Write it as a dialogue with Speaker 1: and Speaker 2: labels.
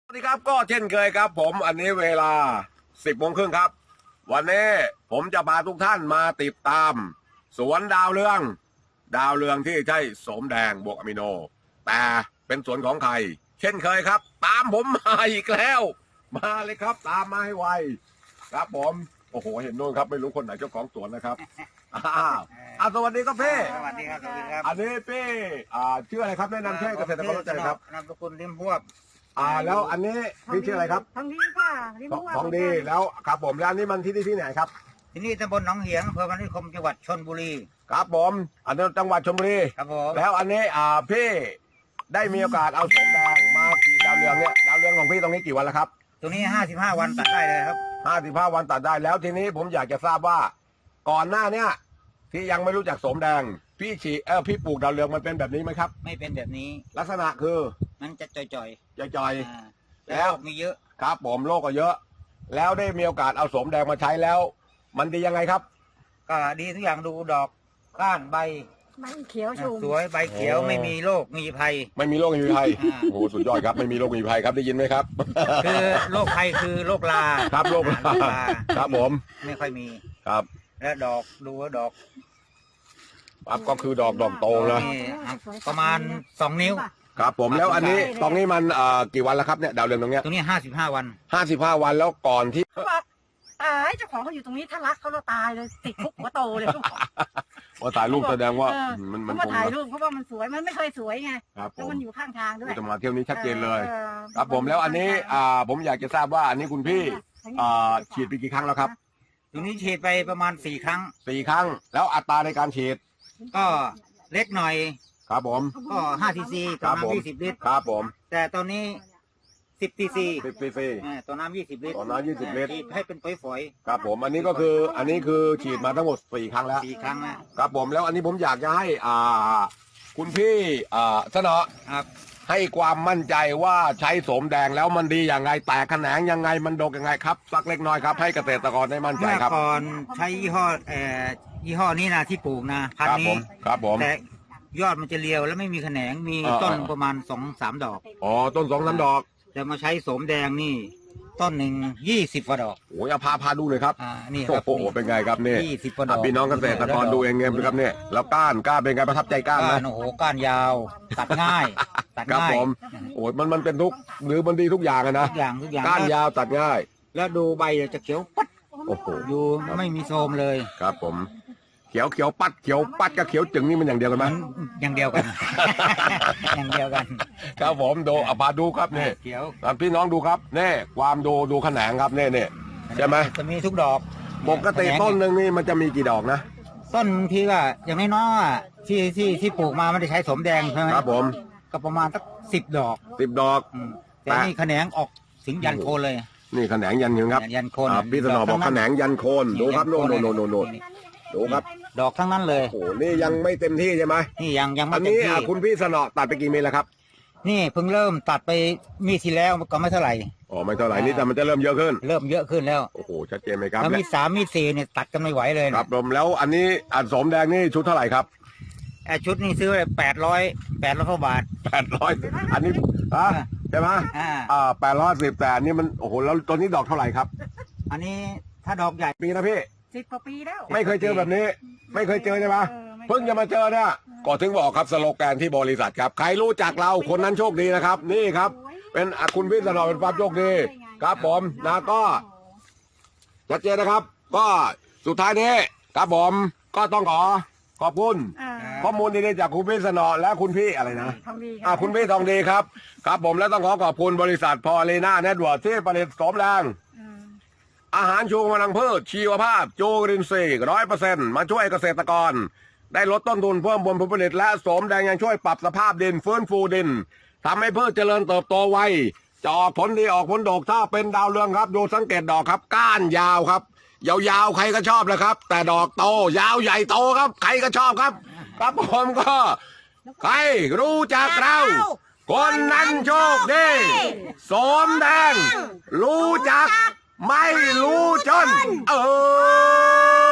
Speaker 1: สวัสดีครับก็เช่นเคยครับผมอันนี้เวลา 10 โมงครึ่งครับวันนี้ผมจะพาทุกท่านมาติดตามสวนดาวเรืองที่ใช่โสมแดงบวกอะมิโนแต่เป็นสวนของใครเช่นเคยครับตามผมมาอีกแล้วมาเลยครับตามมาให้ไวครับผมโอ้โหเห็นโน่นครับไม่รู้คนไหนเจ้าของสวนนะครับสวัสดีครับพี่
Speaker 2: สวัสดีครับสวัสดีครับ
Speaker 1: อันนี้พี่ชื่ออะไรครับแนะนำชื่อเกษตรกรรู้จักครับ
Speaker 2: นามสกุลริมพวบ
Speaker 1: แล้วอันนี้พี่ชื่ออะไรครับ
Speaker 3: ทองดีค่ะ
Speaker 1: ทองดีแล้วครับผมแล้วอันนี้มันที่ไหนครับ
Speaker 2: ที่นี่ตำบลหนองเหียงอำเภอพนัสนิคมจังหวัดชลบุรี
Speaker 1: ครับผมอันนี้จังหวัดชลบุรี
Speaker 2: ครับผม
Speaker 1: แล้วอันนี้พี่ได้มีโอกาสเอาโสมแดงมาฉีดดาวเรืองเนี่ยดาวเรืองของพี่ตรงนี้กี่วันแล้วครับ
Speaker 2: ตรงนี้55 วันตัดได้เลยครับ
Speaker 1: 55 วันตัดได้แล้วทีนี้ผมอยากจะทราบว่าก่อนหน้าเนี้ยที่ยังไม่รู้จักโสมแดงพี่ฉีดพี่ปลูกดาวเรืองมันเป็นแบบนี้ไหมครับ
Speaker 2: ไม่เป็นแบบนี้
Speaker 1: ลักษณะคือ
Speaker 2: มันจะจ่
Speaker 1: อย
Speaker 2: แล้วมีเยอะ
Speaker 1: ครับผมโรคก็เยอะแล้วได้มีโอกาสเอาโสมแดงมาใช้แล้วมันดียังไงครับ
Speaker 2: ก็ดีทุกอย่างดูดอกก้านใบ
Speaker 3: เขียวชุ่ม
Speaker 2: สวยใบเขียวไม่มีโรคมีภัย
Speaker 1: ไม่มีโรคมีภัยโอ้สุดยอดครับไม่มีโรคมีภัยครับได้ยินไหมครับ
Speaker 2: คือโรคภัยคือโรครา
Speaker 1: ครับโรคราครับผม
Speaker 2: ไม่ค่อยมี
Speaker 1: ครับ
Speaker 2: และดอกดูว่าดอก
Speaker 1: ก็คือดอกโตนะ
Speaker 2: ประมาณ2 นิ้ว
Speaker 1: ครับผมแล้วอันนี้ตรงนี้มันกี่วันแล้วครับเนี่ยดาวเรืองตรงเนี้ย
Speaker 2: ตรงนี้55 วัน
Speaker 1: 55 วันแล้วก่อนที่
Speaker 3: ตายเจ้าของเขาอยู่ตรงนี้ถ้ารักเขาเราตายเลยติดคุกหัวโตเลย
Speaker 1: ว่าถ่ายรูปแสดงว่ามัน
Speaker 3: มาถ่ายรูปเพราะว่ามันสวยมันไม่เคยสวยไงแล้วมันอยู่ข้างทางด้วย
Speaker 1: จะมาเที่ยวนี้ชัดเจนเลยครับผมแล้วอันนี้ผมอยากจะทราบว่าอันนี้คุณพี่ฉีดไปกี่ครั้งแล้วครับ
Speaker 2: ตรงนี้ฉีดไปประมาณ4 ครั้ง
Speaker 1: แล้วอัตราในการฉีด
Speaker 2: ก็เล็กหน่อย
Speaker 1: ครับผม
Speaker 2: ก็5 cc ต่อน้ำ20 ลิตร
Speaker 1: ครับผม
Speaker 2: แต่ตอนนี้10 cc ต่อน้ำ20 ลิตร
Speaker 1: ต่อน้ำ20 ลิตร
Speaker 2: ให้เป็นฝอย
Speaker 1: ๆครับผมอันนี้ก็คืออันนี้คือฉีดมาทั้งหมด4 ครั้งแล้ว
Speaker 2: 4 ครั้งแล้ว
Speaker 1: ครับผมแล้วอันนี้ผมอยากจะให้คุณพี่เสนอ
Speaker 2: ครับ
Speaker 1: ให้ความมั่นใจว่าใช้โสมแดงแล้วมันดีอย่างไรแตกแขนงยังไงมันดกยังไงครับสักเล็กน้อยครับให้เกษตรกรได้มั่นใจครับ
Speaker 2: เมื่อก่อนใช้ยี่ห้อนี้นะที่ปลูกนะพันนี้
Speaker 1: ครับผม
Speaker 2: แต่ยอดมันจะเรียวแล้วไม่มีแขนงมีต้นประมาณ2-3 ดอก
Speaker 1: ต้น2-3 ดอก
Speaker 2: แต่มาใช้โสมแดงนี่ต้นหนึ่ง20 กว่าดอก
Speaker 1: โอ้ยพาดูเลยครับ
Speaker 2: นี่ครับ
Speaker 1: โอ้โหเป็นไงครับนี่
Speaker 2: 20 กว่าดอก
Speaker 1: พี่น้องเกษตรกรดูเองไงครับเนี่ยแล้วก้านเป็นไงประทับใจก้านไหม
Speaker 2: โอ้โหก้านยาวตัดง่าย
Speaker 1: ครับผมโอ้ยมันเป็นทุกหรือมันดีทุกอย่างนะ
Speaker 2: ทุกอย่าง
Speaker 1: ก้านยาวตัดง่าย
Speaker 2: แล้วดูใบจะเขียวปัด
Speaker 1: โอ้โห
Speaker 2: อยู่ไม่มีโทรมเลย
Speaker 1: ครับผมเขียวปัดกับเขียวจึงนี่มันอย่างเดียวกันไหม
Speaker 2: อย่างเดียวกันอย่างเดียวกัน
Speaker 1: ครับผมดูพาดูครับนี่
Speaker 2: เขียว
Speaker 1: พี่น้องดูครับนี่ความดูแขนงครับนี่ใช่ไหม
Speaker 2: จะมีทุกดอก
Speaker 1: ปกติต้นหนึ่งนี่มันจะมีกี่ดอกนะ
Speaker 2: ต้นทีก็อย่างน้อยๆที่ปลูกมาไม่ได้ใช้โสมแดงใช่ไหม
Speaker 1: ครับผม
Speaker 2: ก็ประมาณสัก10 ดอกแต่นี่แขนงออกถึงยันโคนเลย
Speaker 1: นี่แขนงยันครับ
Speaker 2: ยันโคน
Speaker 1: พี่สนอบอกแขนงยันโคนดูครับโน่นดูครับ
Speaker 2: ดอกทั้งนั้นเลย
Speaker 1: โอ้นี่ยังไม่เต็มที่ใช่ไหม
Speaker 2: นี่ยังไม่เต็มที่
Speaker 1: อันนี้คุณพี่สนอตัดไปกี่เม็ดแล้วครับ
Speaker 2: นี่เพิ่งเริ่มตัดไปมีที่แล้วก็ไม่เท่าไหร่
Speaker 1: ไม่เท่าไหร่นี่แต่มันจะเริ่มเยอะขึ้น
Speaker 2: แล้ว
Speaker 1: โอ้โหชัดเจนไหมครับ
Speaker 2: แล้วมี3มี4เนี่ยตัดกันไม่ไหวเลย
Speaker 1: ครับผมแล้วอันนี้โสมแดงนี่ชุดเท่าไหร่ครับ
Speaker 2: ชุดนี้ซื้อไป800กว่าบาท
Speaker 1: 800อันนี้ใช่ไหม810แต่อันนี้มันโอ้โหแล้วตัวนี้ดอกเท่าไหร่ครับ
Speaker 2: อันนี้ถ้าดอกใหญ่
Speaker 1: ปีนะพี่
Speaker 3: 10 กว่าปีแล้ว
Speaker 1: ไม่เคยเจอแบบนี้ไม่เคยเจอใช่ไหมเพิ่งจะมาเจอเนี่ยก็ถึงบอกครับสโลแกนที่บริษัทครับใครรู้จักเราคนนั้นโชคดีนะครับนี่ครับเป็นคุณพี่สนอเป็นความโชคดีครับผมนะก็ชัดเจนนะครับก็สุดท้ายนี้ครับผมก็ต้องขอบคุณข้อมูลดีๆจากคุณพี่สนอและคุณพี่อะไรนะคุณพี่ทองดีครับครับผมและต้องขอบคุณบริษัทพอลีน่าเน็ตเวิร์คที่ผลิตโสมแดงอาหารชูกำลังพืชชีวภาพจูรินทรีย์100%มาช่วยเกษตรกรได้ลดต้นทุนเพิ่มผลผลิตและโสมแดงยังช่วยปรับสภาพดินฟื้นฟูดินทำให้พืชเจริญเติบโตไวจะออกผลดีออกผลดกถ้าเป็นดาวเรืองครับดูสังเกตดอกครับก้านยาวครับยาวๆใครก็ชอบเลยครับแต่ดอกโตยาวใหญ่โตครับใครก็ชอบครับครับผมก็ใครรู้จักเราคนนั้นโชคดีโสมแดงรู้จักไม่รู้จน